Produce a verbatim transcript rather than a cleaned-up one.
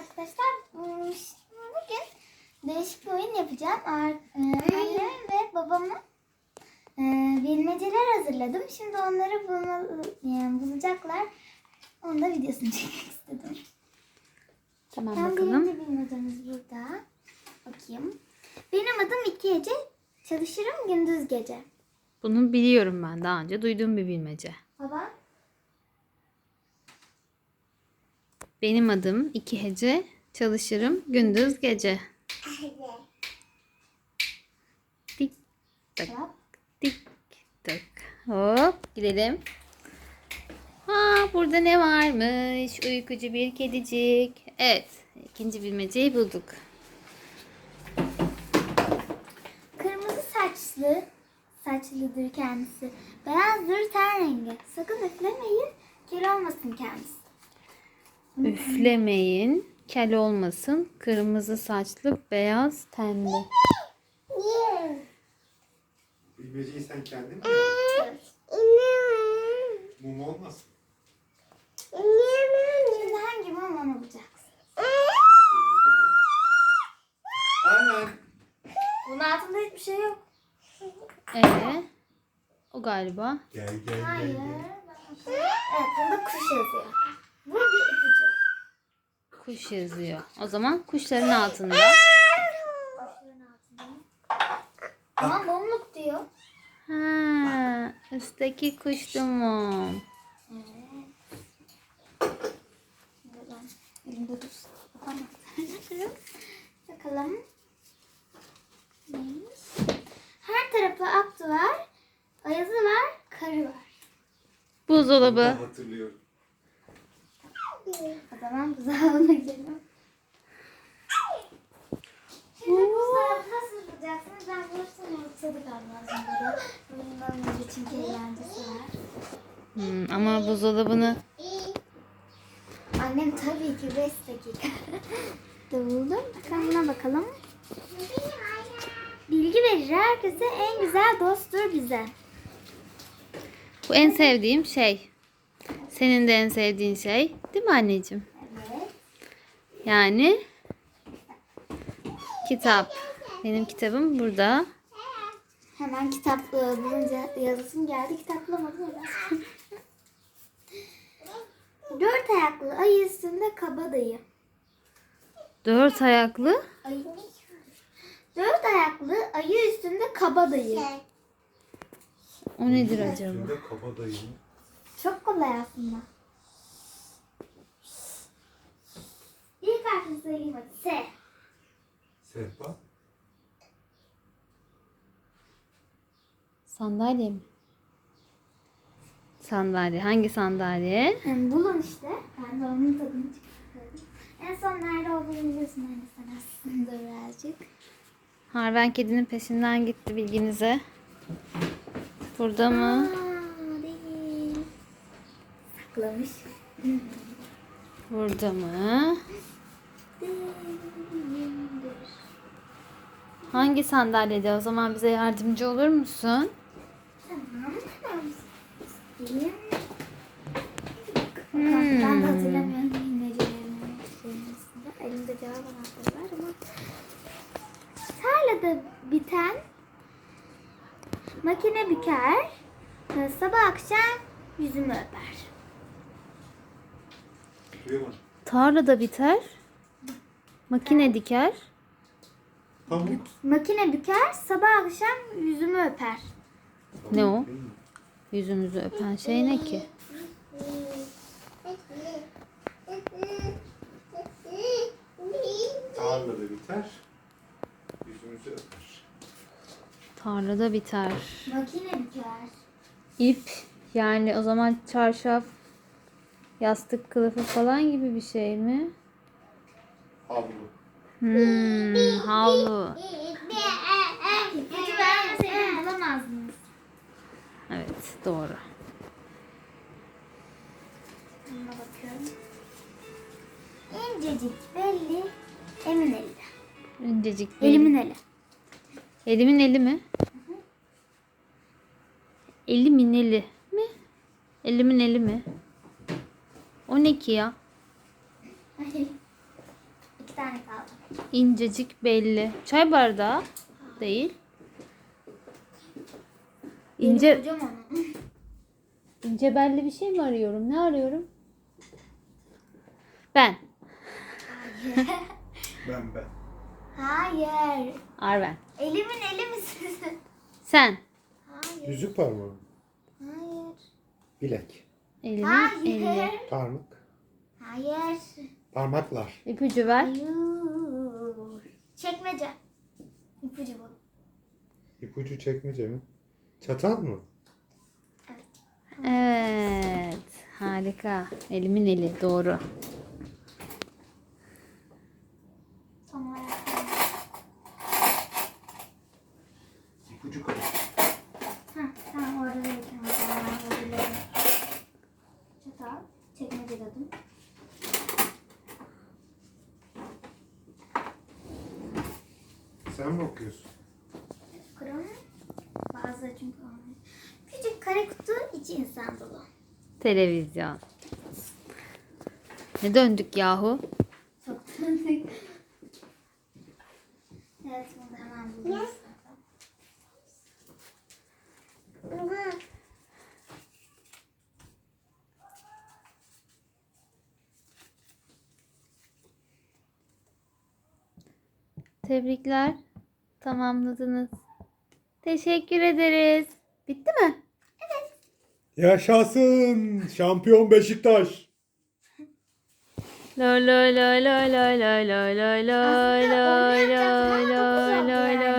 arkadaşlar. Bugün değişik bir oyun yapacağım. Annem ve babamın bilmeceler hazırladım. Şimdi onları bulma, yani bulacaklar. Onun da videosunu çekmek istedim. Tamam, ben bakalım. Birinci bilmecemiz burada. Bakayım. Benim adım iki gece. Çalışırım gündüz gece. Bunu biliyorum ben. Daha önce duyduğum bir bilmece. Baba. Benim adım iki hece. Çalışırım gündüz gece. Tik tak tik tak. Hop gidelim. Ha, burada ne varmış? Uykucu bir kedicik. Evet, ikinci bilmeceyi bulduk. Kırmızı saçlı, saçlıdır kendisi. Beyazdır ten rengi. Sakın üflemeyin, kel olmasın kendisi. Üflemeyin, kel olmasın, kırmızı saçlı, beyaz tenli. Bilmeceyi sen kendin mi yaptın? Evet. Mum olmasın. Şimdi hangi mum onu bulacaksın? Kırmızı mum. Aynen. Bunun altında hiçbir şey yok. Ee, o galiba. Gel gel gel. Hayır. gel. Evet, bunda kuş yazıyor. Bu bir ipucu. Kuş yazıyor. O zaman kuşların altında. Kuşların altında. Ama mumluk diyor. Ha, üstteki kuştu mu? Evet. Buradan elimde dursun. Tamam. Bakalım. Neymiş? Her tarafı aklı var. Ayazı var. Karı var. Bunu Buzdolabı. da hatırlıyorum. O zaman buzdolabına gidelim. Şimdi buzdolabı nasıl bulacaksınız? Ben bulursam ortadık lazım burada. Bunun için eğlencesi var. Hmm, ama buzdolabını Annem tabii ki beş dakika da buldum. Bakalım buna bakalım. Bilgi verir herkese, en güzel dosttur bize. bu en sevdiğim şey. Senin de en sevdiğin şey, değil mi anneciğim? Evet. Yani kitap. Benim kitabım burada. Hemen kitap e, bulunca yazısım geldi. Kitap bulamadım. Hemen. Dört ayaklı ayı üstünde kabadayı. Dört ayaklı. Ayı. Dört ayaklı ayı üstünde kabadayı. O nedir acaba? Üstünde kabadayı. Çok kolay aslında. İlk harfini söyleyeyim hadi. S. Sehpa. Sandalye mi? Sandalye. Hangi sandalye? Yani bulun işte. Ben de onun tadını çıkartıyorum. En son nerede olduğunu biliyorsun anne sen aslında birazcık. Harven kedinin peşinden gitti, bilginize. Burada mı? Aa, değil. Saklamış. Burada mı? Değildir. Hangi sandalyede? O zaman bize yardımcı olur musun? Tamam. Tamam. Değil. Hmm. Ben de hatırlamıyorum bilmecelerini. Elimde cevap anahtarı var ama. Tarlada biten makine büker, sabah akşam yüzümü öper. Duyamadım. Tarlada biter. Makine diker. Pamuk. Makine büker, sabah akşam yüzümü öper. Ne o? Değil mi? Yüzümüzü öpen şey ne ki? Tarlada biter. Yüzümüzü öper. Tarlada biter. Makine büker. İp. Yani o zaman çarşaf, yastık kılıfı falan gibi bir şey mi? Havlu. Hmm, havlu. İpucu vermeseydim bulamazdınız. Evet, doğru. Buna bakıyorum. İncecik belli, emin eli. İncecik bir- Elimin eli. Elimin eli mi? Elimin eli mi? Elimin eli mi? O ne ki ya? İncecik belli. Çay bardağı değil. İnce Kocaman. ince belli bir şey mi arıyorum? Ne arıyorum? Ben. Hayır. Ben ben. Hayır. Arven. Elimin eli misin? Sen. Hayır. Yüzük parmağı. Hayır. Bilek. Elimin Hayır. eli. Parmak. Hayır. Parmaklar. İpucu ver. Hayır. Çekmece. İpucu bu. İpucu çekmece mi? Çatal mı? Evet. Harika. Elimin eli. Doğru. Son olarak. İpucu kalın. Heh, tamam orada da bir çatal. Çekmece dedim. Sen mi okuyorsun? Kurum. Bazıları çünkü olmuyor. Küçük kare kutu içi insan dolu. Televizyon. Ne döndük yahu? Çok tanıdık. Evet bunu hemen bulacağız. Tebrikler. Tamamladınız. Teşekkür ederiz. Bitti mi? Yaşasın! Şampiyon Beşiktaş! Lo lo lo lo lo lo lo lo lo Aslında onu lo yapacaktım ama lo dokuz lo oldu lo yani.